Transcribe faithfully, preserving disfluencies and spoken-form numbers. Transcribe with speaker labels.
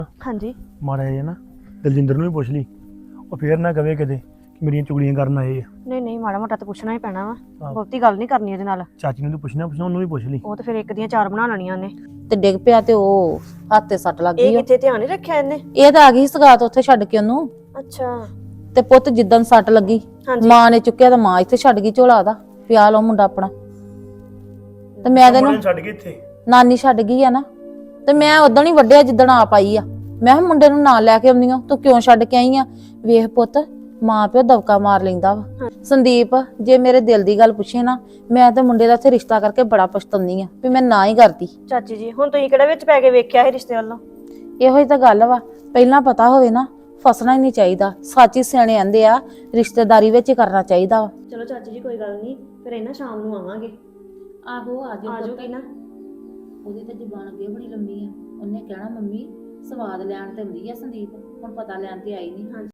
Speaker 1: ਹਾਂਜੀ
Speaker 2: ਮਾੜਾ ਜਿਹਾ ਨਾ ਦਲਜਿੰਦਰ ਨੂੰ ਵੀ ਪੁੱਛ ਲਈ, ਉਹ ਫੇਰ ਨਾ ਕਵੇ ਕਿਤੇ ਕਿ ਮੇਰੀਆਂ ਚੁਗਲੀਆਂ ਕਰਨ ਆਏ ਆ।
Speaker 1: ਨਹੀਂ ਨਹੀਂ ਮਾੜਾ ਮੋਟਾ ਤਾਂ ਪੁੱਛਣਾ ਹੀ ਪੈਣਾ ਵਾ,
Speaker 2: ਆਹੋ।
Speaker 1: ਬਹੁਤੀ ਗੱਲ ਨਹੀਂ ਕਰਨੀ ਉਹਦੇ ਨਾਲ।
Speaker 2: ਚਾਚੀ ਨੂੰ ਤਾਂ ਪੁੱਛਣਾ ਪੁੱਛਣਾ ਉਹਨੂੰ ਵੀ ਪੁੱਛ ਲਈ।
Speaker 1: ਉਹ ਤਾਂ ਫਿਰ ਇੱਕ ਦੀਆਂ ਚਾਰ ਬਣਾ ਲੈਣੀਆਂ ਉਹਨੇ।
Speaker 3: ਤੇ ਡਿੱਗ ਪਿਆ ਤੇ ਉਹ ਹੱਥ ਤੇ ਸੱਟ ਲੱਗ
Speaker 1: ਇਹ
Speaker 3: ਗਈ।
Speaker 1: ਕਿੱਥੇ ਧਿਆਨ ਨਹੀਂ ਰੱਖਿਆ ਇਹਨੇ?
Speaker 3: ਇਹ ਤਾਂ ਆ ਗਈ ਸਗਾਤ ਉੱਥੇ ਛੱਡ ਕੇ ਉਹਨੂੰ।
Speaker 1: ਅੱਛਾ
Speaker 3: ਤੇ ਪੁੱਤ ਜਿੱਦਣ ਸੱਟ ਲੱਗੀ
Speaker 1: ਹਾਂਜੀ
Speaker 3: ਮਾਂ ਨੇ ਚੁੱਕਿਆ ਤਾਂ ਮਾਂ ਇੱਥੇ ਛੱਡ ਗਈ ਝੋਲਾ ਦਾ, ਪਿਆ ਲਓ ਮੁੰਡਾ ਆਪਣਾ। ਤੇ ਮੈਂ ਤੈਨੂੰ
Speaker 2: ਛੱਡ ਕੇ ਇੱਥੇ
Speaker 3: ਨਾਨੀ ਛੱਡ ਗਈ ਆ ਨਾ, ਤੇ ਮੈਂ ਉਦਣ ਹੀ ਵੱਢਿਆ ਜਿੱਦਣ ਆਪ ਆਈ ਆ। ਮੈਂ ਕਿਹਾ ਮੁੰਡੇ ਨੂੰ ਨਾਲ ਲੈ ਕੇ ਆਉਂਦੀ ਆ, ਤੂੰ ਕਿਉਂ ਛੱਡ ਕੇ ਆਈ ਆ? ਵੇਖ ਪੁੱਤ ਮਾਂ ਪਿਓ ਦਵਕਾ ਮਾਰ ਲੈਂਦਾ ਵਾ। ਸੰਦੀਪ ਜੇ ਮੇਰੇ ਦਿਲ ਦੀ ਗੱਲ ਪੁੱਛੇ ਨਾ, ਮੈਂ ਤੇ ਮੁੰਡੇ ਦਾ ਇੱਥੇ ਰਿਸ਼ਤਾ ਕਰਕੇ ਬੜਾ ਪਛਤਾਉਂਦੀ ਆ ਵੀ ਮੈਂ ਨਾ ਹੀ ਕਰਦੀ।
Speaker 1: ਚਾਚੀ ਜੀ ਹੁਣ ਤੁਸੀਂ ਕਿਹੜਾ ਵਿੱਚ ਪੈ ਕੇ ਵੇਖਿਆ ਇਹ ਰਿਸ਼ਤੇ ਵੱਲੋਂ?
Speaker 3: ਇਹੋ ਹੀ ਤਾਂ ਗੱਲ ਵਾ, ਪਹਿਲਾਂ ਪਤਾ ਹੋਵੇ ਨਾ ਫਸਣਾ ਹੀ ਨਹੀਂ ਚਾਹੀਦਾ। ਸੱਚੀ ਸਿਆਣੇ ਆਂਦੇ ਆ ਰਿਸ਼ਤੇਦਾਰੀ ਵਿੱਚ ਹੀ ਕਰਨਾ ਚਾਹੀਦਾ ਵਾ।
Speaker 1: ਚਲੋ ਚਾਚੀ ਜੀ ਕੋਈ ਗੱਲ ਨਹੀਂ, ਫਿਰ ਇਹਨਾਂ ਸ਼ਾਮ ਨੂੰ ਆਵਾਂਗੇ।
Speaker 3: ਆਹੋ ਆ
Speaker 1: ਆ ਜਾਓਗੀ ਨਾ?
Speaker 3: ਉਹਦੀ ਤਾਂ ਜ਼ੁਬਾਨ ਅੱਗੇ ਬੜੀ ਲੰਮੀ ਆ, ਉਹਨੇ ਕਹਿਣਾ ਮੰਮੀ ਸਵਾਦ ਲੈਣ ਤੇ ਹੁੰਦੀ ਆ ਸੰਦੀਪ, ਹੁਣ ਪਤਾ ਲੈਣ ਤੇ ਆਈ ਨਹੀਂ।